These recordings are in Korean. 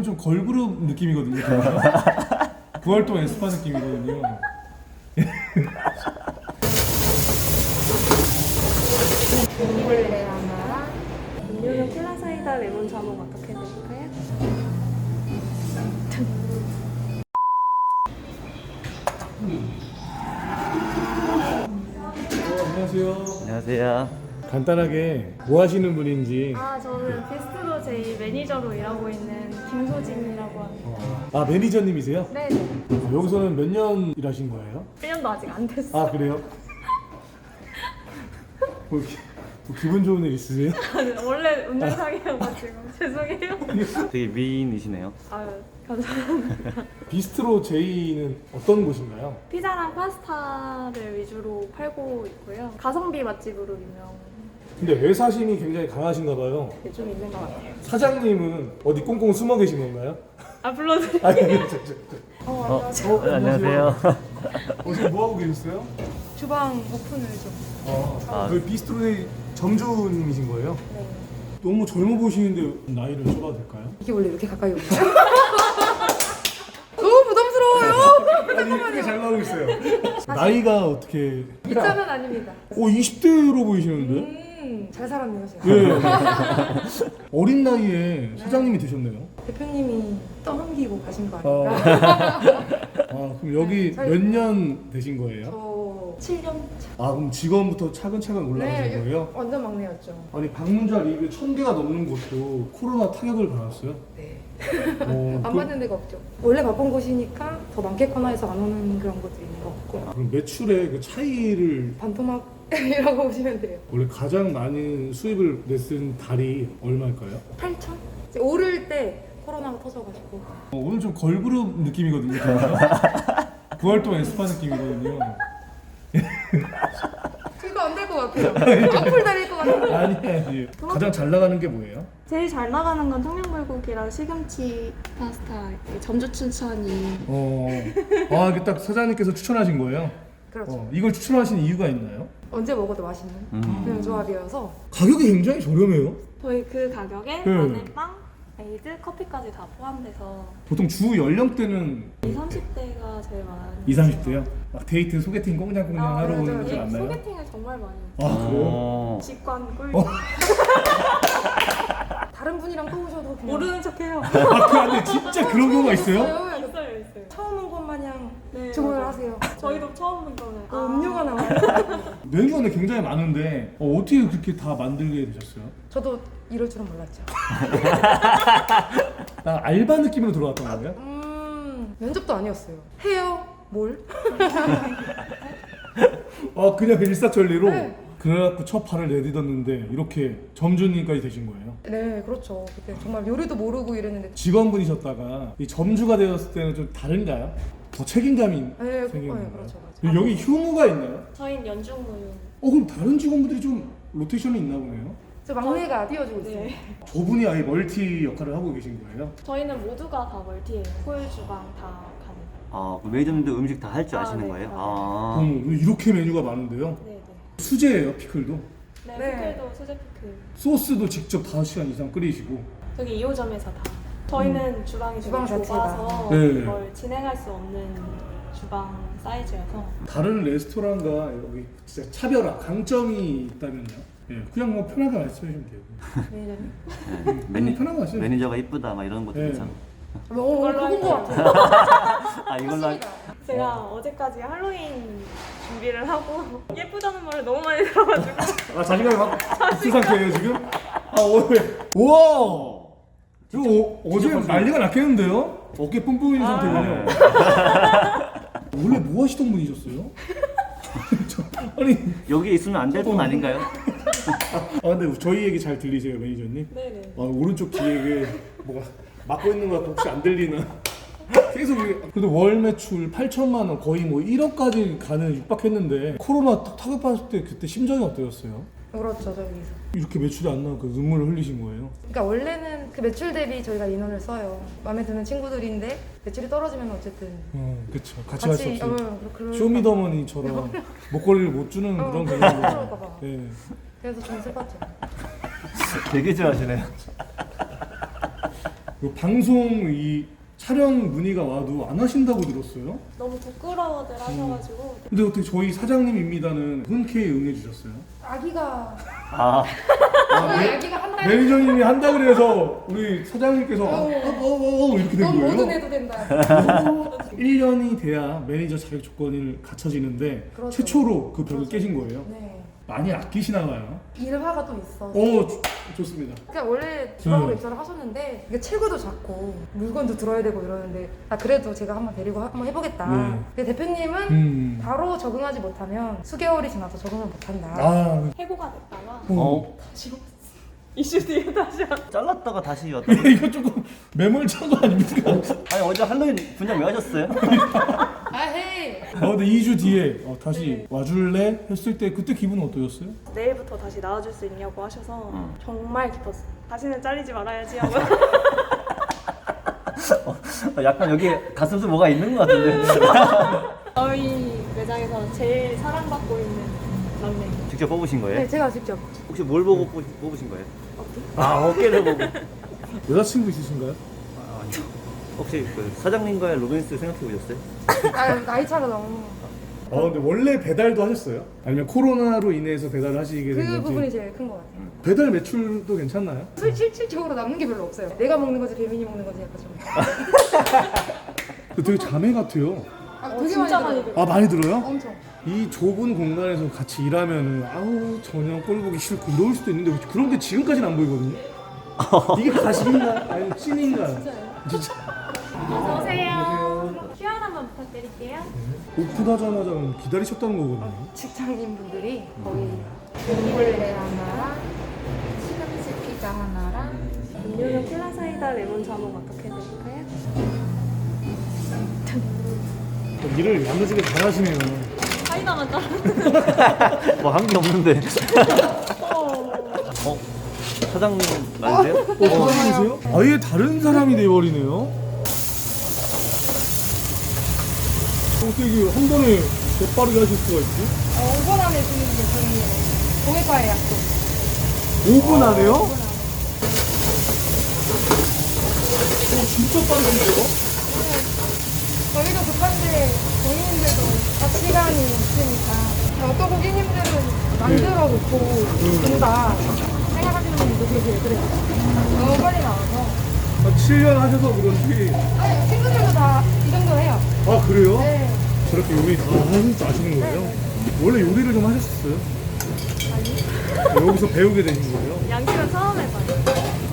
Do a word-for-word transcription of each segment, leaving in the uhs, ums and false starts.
오늘은 좀 걸그룹 느낌이거든요. 부활동 에스파 느낌이거든요. 민니볼레 하나. 음료는 콜라사이다 레몬 자몽 어떻게 드릴까요? 어, 안녕하세요. 안녕하세요. 간단하게 뭐 하시는 분인지. 아, 저는 비스트로 제이 매니저로 일하고 있는 김소진이라고 합니다. 어, 아, 매니저님이세요? 네, 어, 여기서는 몇 년 일하신 거예요? 일 년도 아직 안 됐어요. 아, 그래요? 뭐, 기, 뭐 기분 좋은 일 있으세요? 원래 운전상이어가지고 죄송해요. 되게 미인이시네요. 아유, 감사합니다. 비스트로 제이는 어떤 곳인가요? 피자랑 파스타를 위주로 팔고 있고요. 가성비 맛집으로 유명. 근데 애사심이 굉장히 강하신가 봐요. 좀 있는 것 같아요. 사장님은 어디 꽁꽁 숨어 계신 건가요? 아, 불러드릴게요. 아니, 아니, 저, 저, 저. 어, 어, 안녕하세요. 어, 안녕하세요. 어, 지금 뭐 하고 계셨어요? 주방 오픈을 좀. 어, 아. 그 비스트로의 점주님이신 거예요? 네. 너무 젊어 보이시는데 나이를 여쭤봐도 될까요? 이게 원래 이렇게 가까이 오나요? 너무 부담스러워요. 아니, 이쁘게 잘 나오고 있어요. 나이가 어떻게? 이참은 아닙니다. 오, 이십 대로 보이시는데? 음, 잘 살았네요, 제가. 예. 어린 나이에 사장님이 되셨네요. 대표님이 떠넘기고 가신 거 어. 아닐까? 아, 그럼 여기 저희- 몇 년 되신 거예요? 저 칠 년 차. 아, 그럼 직원부터 차근차근 올라가신 거예요? 완전 막내였죠. 아니, 방문자 리뷰 천 개가 넘는 곳도 코로나 타격을 받았어요? 네. 어, 안 그- 받는 데가 없죠. 원래 바쁜 곳이니까 더 많겠거나 해서 안 오는 그런 것들이 있는 것 같고. 그럼 매출의 그 차이를 반토막이라고 보시면 돼요. 원래 가장 많은 수입을 냈은 달이 얼마일까요? 팔천? 이제 오를 때 코로나가 터져가지고. 어, 오늘 좀 걸그룹 느낌이거든요. 부활동 에스파 느낌이거든요. 이거 안 될 것 같아요. 악플 달릴 것 같아요. 아니, 아니. 가장 잘 나가는 게 뭐예요? 제일 잘 나가는 건 청양불고기랑 시금치 파스타 점주 추천이. 어, 아, 이게 딱 사장님께서 추천하신 거예요? 그렇죠. 어, 이걸 추천하신 이유가 있나요? 언제 먹어도 맛있는 음. 그런 조합이어서. 가격이 굉장히 저렴해요. 저희 그 가격에 네. 마늘빵, 에이드, 커피까지 다 포함돼서 보통 주 연령대는 이십, 삼십 대가 제일 많아요. 이십, 삼십 대요? 막 데이트, 소개팅 꽁냥꽁냥 아, 하러 맞아요. 오는 분들 예, 많나요? 소개팅을 정말 많이 해요. 아, 그래요? 어. 직관 꿀. 어. 다른 분이랑 또 오셔도 그냥 모르는 척해요. 아, 그 안에 진짜 그런 경우가 있어요? 있어요. 있어요, 있어요. 처음 온 것 마냥 네, 주문을 맞아요. 하세요. 저희도 처음 본 거는 어, 음료가 나와요. 메뉴가 근데 굉장히 많은데 어, 어떻게 그렇게 다 만들게 되셨어요? 저도 이럴 줄은 몰랐죠. 나 알바 느낌으로 들어왔던 거예요? 음, 면접도 아니었어요. 해요? 뭘? 어, 그냥 그 일사천리로? 네. 그래갖고 첫 발을 내딛었는데 이렇게 점주님까지 되신 거예요? 네, 그렇죠. 그때 정말 요리도 모르고 이랬는데. 직원분이셨다가 이 점주가 되었을 때는 좀 다른가요? 더 책임감이 네, 생기는 그- 네, 건가요? 그렇죠, 맞아요. 여기 휴무가 있나요? 저희는 연중무휴. 어, 그럼 다른 직원분들이 좀 로테이션이 있나 보네요? 저 막내가 띄워주고 있어요. 네. 저분이 아예 멀티 역할을 하고 계신 거예요? 저희는 모두가 다 멀티예요. 홀 주방 다 가능. 아, 그 매니저님도 음식 다 할 줄 아, 아시는 네, 거예요? 아, 아. 어, 이렇게 메뉴가 많은데요? 네, 네. 수제예요, 피클도? 네, 네. 피클도 수제 피클. 소스도 직접 다섯 시간 이상 끓이시고. 저기 이 호점에서 다. 저희는 주방이 주방 되게 자체가. 좁아서 네. 이걸 진행할 수 없는 주방 사이즈여서. 다른 레스토랑과 여기 진짜 차별화, 강점이 있다면요? 예, 그냥 뭐 편하게 말씀해주시면 돼요. 매니저님. 네. 매니, 편한 거 하세요. 매니저가 이쁘다 막 이런 것도 네. 괜찮아. 어, 그건 것 같아요. 아, 이걸로 할... 제가 어제까지 할로윈 준비를 하고 예쁘다는 말을 너무 많이 들어가지고 아, 자신감이 막 있을 상태예요, 지금? 아, 오늘. 우와! 이거 어, 어제 난리가 났겠는데요? 어깨 뿜뿜인 아. 상태군요. 원래 뭐 하시던 분이셨어요? 저, 아니, 여기에 있으면 안 될 분 아닌가요? 아, 근데 저희 얘기 잘 들리세요, 매니저님? 네네. 아, 오른쪽 뒤에 뭐가 막고 있는 거 혹시 안 들리나? 계속 이게- 그래도 월 매출 팔천만 원 거의 뭐 일억까지 가는 육박했는데 코로나 딱 타격받았을 때 그때 심정이 어떠셨어요? 그렇죠, 저기서. 이렇게 매출이 안 나고 그 눈물을 흘리신 거예요? 그러니까 원래는 그 매출 대비 저희가 인원을 써요. 마음에 드는 친구들인데 매출이 떨어지면 어쨌든 어, 그쵸. 같이 갈 수 같이 없어요. 어, 그럴 쇼미더머니처럼 목걸이를 못 주는 어, 그런 그럴까 개념이죠. 봐. 예. 그래서 좀 슬펐죠. 되게 좋아하시네요. 그 방송 이 촬영 문의가 와도 안 하신다고 들었어요. 너무 부끄러워들 하셔가지고 근데 어떻게 저희 사장님입니다는 흔쾌히 응해주셨어요? 아기가 아, 저희 아기가 한 달. 매니저님이 한다 그래서 우리 사장님께서 아, 어. 아, 아, 아, 이렇게 된 넌 거예요? 뭐든 해도 된다. 일 년이 돼야 매니저 자격 조건을 갖춰지는데 그렇죠. 최초로 그 벽을 깨신 거예요. 네. 많이 아끼시나 봐요. 일화가 또 있어. 어, 좋- 좋습니다. 그러니까 원래 주방으로 음. 입사를 하셨는데 이게 체구도 작고 물건도 들어야 되고 이러는데 아 그래도 제가 한번 데리고 하- 한번 해보겠다. 네. 근데 대표님은 음. 바로 적응하지 못하면 수개월이 지나서 적응을 못한다. 아, 해고가 됐다가 어, 다시 이슈 뒤에 다시 한 잘랐다가 다시 왔다. 이거 조금 매몰찬 거 아닙니까? 아니 어제 할로윈 분장 왜 하셨어요? 아 헤이. 아, 근데 이 주 뒤에 어, 다시 와줄래? 했을 때 그때 기분은 어떠셨어요? 내일부터 다시 나와줄 수 있냐고 하셔서 음. 정말 기뻤어요. 다시는 잘리지 말아야지 하고 어, 약간 여기 가슴도 뭐가 있는 것 같은데. 저희 매장에서 제일 사랑받고 있는 막내. 직접 뽑으신 거예요? 네 제가 직접. 혹시 뭘 보고 뽑- 뽑으신 거예요? 아, 어깨를 보고. 여자친구 있으신가요? 아, 아니요. 혹시 그 사장님과의 로맨스 생각해 보셨어요? 아 나이 차가 너무. 아, 근데 원래 배달도 하셨어요? 아니면 코로나로 인해서 배달을 하시게 된 그 건지? 부분이 제일 큰 것 같아요. 배달 매출도 괜찮나요? 실- 실질적으로 남는 게 별로 없어요. 내가 먹는 거지 배민이 먹는 거지 약간 좀. 되게 자매 같아요. 아, 어, 되게 진짜 많이 많이 들어요. 아, 많이 들어요? 엄청. 이 좁은 공간에서 같이 일하면은 아우 전혀 꼴 보기 싫고 이럴 수도 있는데 그런 게 지금까지는 안 보이거든요. 이게 가식인가? 아니면 찐인가? 진짜. 어서 오세요. 큐 알 한번 부탁드릴게요. 오픈하자마자 기다리셨다는 거거든요. 직장인 분들이 거의 미블레 하나랑 시금치 피자 하나랑 음료는 콜라 사이다 레몬 자몽 어떻게 드실까요? 일을 야무지게 잘하시네요. 사이다만 따로. 뭐 한 게 없는데. 어? 사장님 맞으세요? 어, 사장님이세요? 아예 다른 사람이 돼버리네요. 어떻게 이게 한 번에 재빠르게 하실 수가 있지? 어, 오 분 안에 주는 게 저희 공예과의 약속. 오 분 안에요? 어, 진짜 빠른데요? 저희도 급한데 고객님들도 다 시간이 있으니까 어떤 고객님들은 만들어 놓고 준다 생각하시는 분들도 계세요. 그래서 너무 빨리 나와서 아, 칠 년 하셔서 그런지. 아니 친구들도 다 이 정도 해요. 아, 그래요? 네. 저렇게 요리 다 하실 줄 아시는 거예요? 원래 요리를 좀 하셨었어요? 아니. 여기서 배우게 되신 거예요? 양식은 처음 해봐요.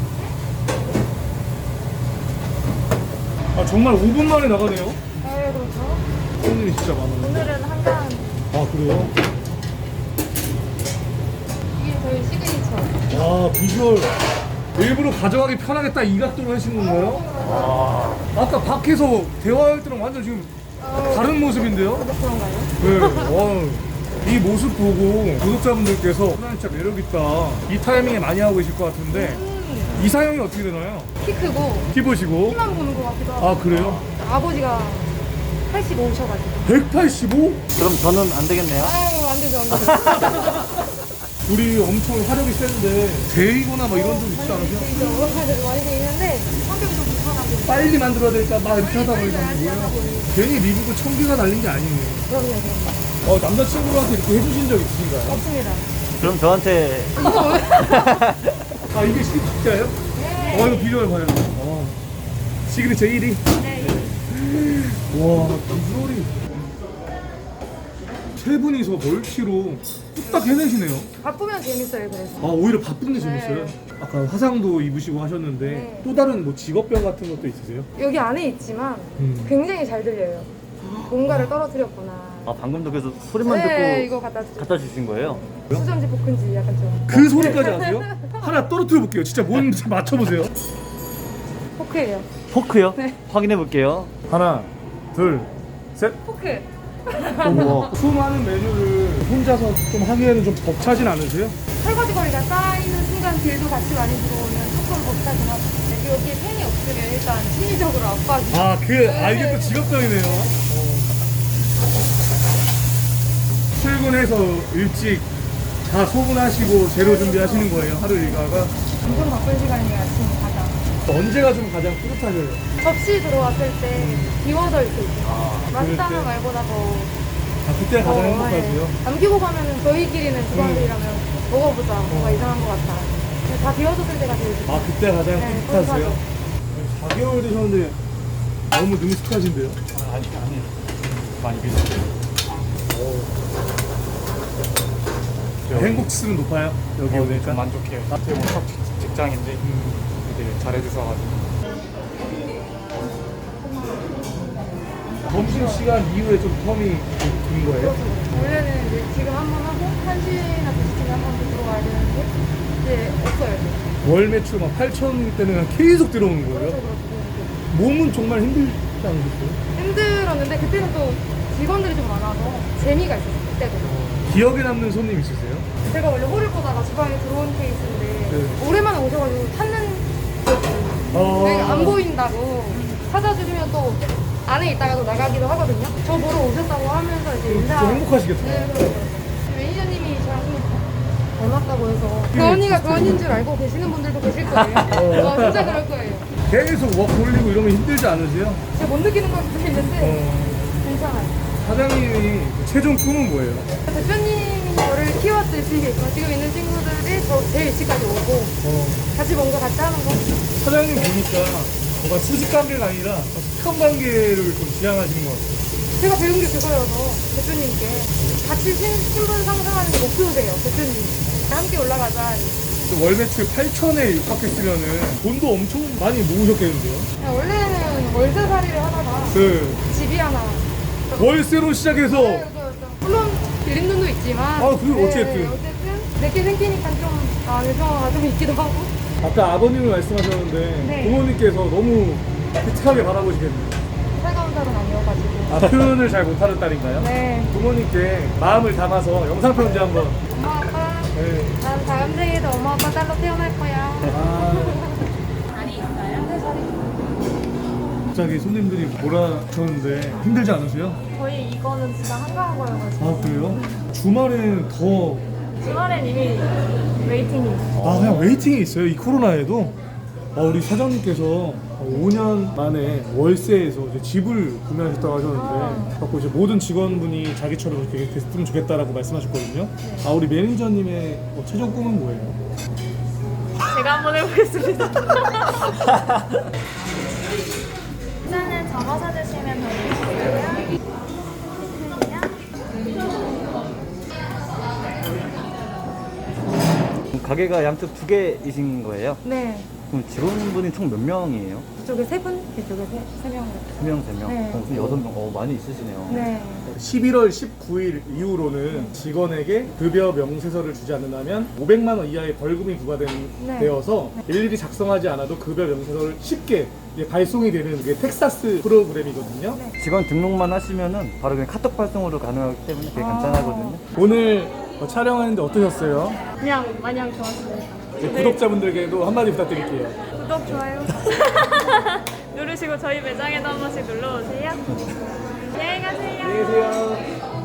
아, 정말 오 분 만에 나가네요? 네 그렇죠. 손님이 진짜 많아요. 오늘은 한강 아, 그래요? 이게 저희 시그니처. 아, 비주얼 일부러 가져가기 편하게 딱 이 각도로 하신 건가요? 아, 아까 밖에서 대화할 때랑 완전 지금 다른 모습인데요? 그런가요? 네, 와, 이 모습 보고 구독자분들께서 사장님 진짜 매력있다 이 타이밍에 많이 하고 계실 것 같은데 이상형이 어떻게 되나요? 키 크고 키 보시고. 키만 보는 것 같기도 하고. 아, 그래요? 아버지가 팔십오셔가지고. 백팔십오? 그럼 저는 안 되겠네요. 아유 안 되죠 안 되죠. 우리 엄청 화력이 센데 데이거나 막 이런 좀 있지 않으세요? 되죠. 많이 돼 있는데 성격이 좀 불편하고. 빨리 만들어야 되니까 막 이렇게 하다 보니까 빨리 하다 보니. 괜히 리뷰고 청기가 날린 게 아니네요. 그럼요 그럼요. 어, 남자친구한테 이렇게 해주신 적 있으신가요? 없습니다. 그럼 저한테 아, 이게 진짜예요? 네. 어, 이거 비주얼 봐요. 어. 시그니처 일 위? 네. 와, 비주얼이. 세 분이서 멀티로 뚝딱 해내시네요. 바쁘면 재밌어요 그래서. 아, 오히려 바쁜 게 재밌어요. 네. 아까 화상도 입으시고 하셨는데 네. 또 다른 뭐 직업병 같은 것도 있으세요? 여기 안에 있지만 음. 굉장히 잘 들려요. 뭔가를 떨어뜨렸구나. 아 방금도 그래서 소리만 네 듣고 이거 갖다 주. 갖다 주신 거예요? 수전지 볶은지 약간 좀. 그 소리까지 아세요? 하나 떨어뜨려 볼게요. 진짜 뭔지 맞춰보세요. 포크예요. 포크요? 네. 확인해 볼게요. 하나, 둘, 셋. 포크. 어머. 수많은 메뉴를 혼자서 좀 하기에는 좀 벅차진 않으세요? 설거지 거리가 쌓이는 순간 딜도 같이 많이 들어오면 조금 벅차긴 하죠. 근데 여기에 팬이 없으면 일단 심리적으로 압박이. 아, 그, 아, 이게 또 직업병이네요. 어. 출근해서 일찍 다 소분하시고 재료 준비하시는 거예요, 하루 일과가. 엄청 바쁜 시간이 아침 가장. 언제가 좀 가장 뿌듯하세요? 접시 들어왔을 때 비워져 있을 때. 그럴 맛있다는 때? 말보다 더. 아, 그때가 가장 어, 행복하세요? 네. 남기고 가면은 저희끼리는 주방들이라면 먹어보자. 뭔가 이상한 것 같아. 근데 다 비워졌을 때가 제일 좋다. 아, 그때가 가장 네, 뿌듯하세요? 뿌듯하죠. 사 개월 되셨는데 너무 능숙하신데요? 아, 아직 아니에요. 많이 비슷해요. 행복 지수는 높아요? 여기 어, 오니까? 좀 만족해요. 어떻게 보면 첫 직- 직장인데 되게 잘해주셔가지고. 점심시간 이후에 좀 텀이 긴 거예요? 원래는 이제 지금 한 번 하고 한 시나 두 시쯤에 한 번 더 들어와야 되는데 이제 없어요. 월 매출 막 팔천 때는 그냥 계속 들어오는 그렇죠, 거예요? 그렇죠. 몸은 정말 힘들지 않으셨어요? 힘들었는데 그때는 또 직원들이 좀 많아서 재미가 있었어요. 그때도. 기억에 남는 손님 있으세요? 제가 원래 홀을 보다가 주방에 들어온 케이스인데 네. 오랜만에 오셔가지고 찾는 기억이 어. 내가 안 보인다고 찾아주시면 또 안에 있다가도 나가기도 하거든요. 저 보러 오셨다고 하면서 이제 인사. 좀 행복하시겠다. 네, 그렇죠. 매니저님이 저랑 좀 닮았다고 해서 그 언니가 그 언니인 줄 알고 계시는 분들도 계실 거예요. 어, 진짜 그럴 거예요. 계속 워크 올리고 이러면 힘들지 않으세요? 제가 못 느끼는 걸 수도 있는데 어. 괜찮아요. 사장님이 최종 꿈은 뭐예요? 대표님이 저를 키웠듯이 지금 있는 친구들이 저 제일 일찍까지 오고 어. 같이 뭔가 같이 하는 거. 사장님 보니까 뭔가 수직 관계가 아니라 수평 관계를 좀 지향하시는 것 같아요. 제가 배운 게 그거여서 대표님께 같이 신, 신분 상승하는 게 목표세요. 대표님 함께 올라가자. 또 월 매출 팔천에 육박했으면은 돈도 엄청 많이 모으셨겠는데요? 그냥 원래는 월세살이를 하다가 그 집이 하나. 월세로 시작해서 네, 그렇죠, 그렇죠. 물론 빌린 돈도 있지만. 아, 그건 어쨌든. 어쨌든 내게 생기니까 좀 아, 요청가 좀 있기도 하고. 아까 아버님을 말씀하셨는데 네. 부모님께서 너무 비슷하게 바라보시겠네요. 살가운 살은 아니어가지고. 아, 표현을 잘 못하는 딸인가요? 네. 부모님께 마음을 담아서 영상 편지 한번. 엄마 아빠. 네. 난 다음 생에도 엄마 아빠 딸로 태어날 거야. 아, 자리 있어요? 네, 잘해. 갑자기 손님들이 몰아쳤는데 힘들지 않으세요? 저희 이거는 진짜 한가한 거여가지고 아, 그래요? 주말에는 더. 주말엔 이미 웨이팅이 아, 그냥 웨이팅이 있어요, 이 코로나에도? 아, 우리 사장님께서 오 년 만에 월세에서 이제 집을 구매하셨다고 하셨는데, 갖고 이제 모든 직원분이 자기처럼 이렇게 됐으면 좋겠다라고 말씀하셨거든요. 아, 우리 매니저님의 뭐 최종 꿈은 뭐예요? 제가 한번 해보겠습니다. 우선은 접어서 주시면 되고요. 가게가 양쪽 두 개이신 거예요? 네. 그럼 직원분이 총 몇 명이에요? 이쪽에 세 분, 이쪽에 세, 세 명. 세 명, 세 명? 네. 어, 그럼 여섯 명. 어, 많이 있으시네요. 네. 십일월 십구일 이후로는 직원에게 급여 명세서를 주지 않는다면 오백만 원 이하의 벌금이 부과되어서 네. 일일이 작성하지 않아도 급여 명세서를 쉽게 이제 발송이 되는 게 텍사스 프로그램이거든요. 네. 직원 등록만 하시면은 바로 그냥 카톡 발송으로 가능하기 때문에 되게 아. 간단하거든요. 오늘 어, 촬영하는데 어떠셨어요? 그냥 마냥 좋았습니다. 이제 구독자분들께도 한마디 부탁드릴게요. 구독, 좋아요 누르시고 저희 매장에도 한 번씩 눌러오세요. 안녕히 가세요. 안녕히 계세요.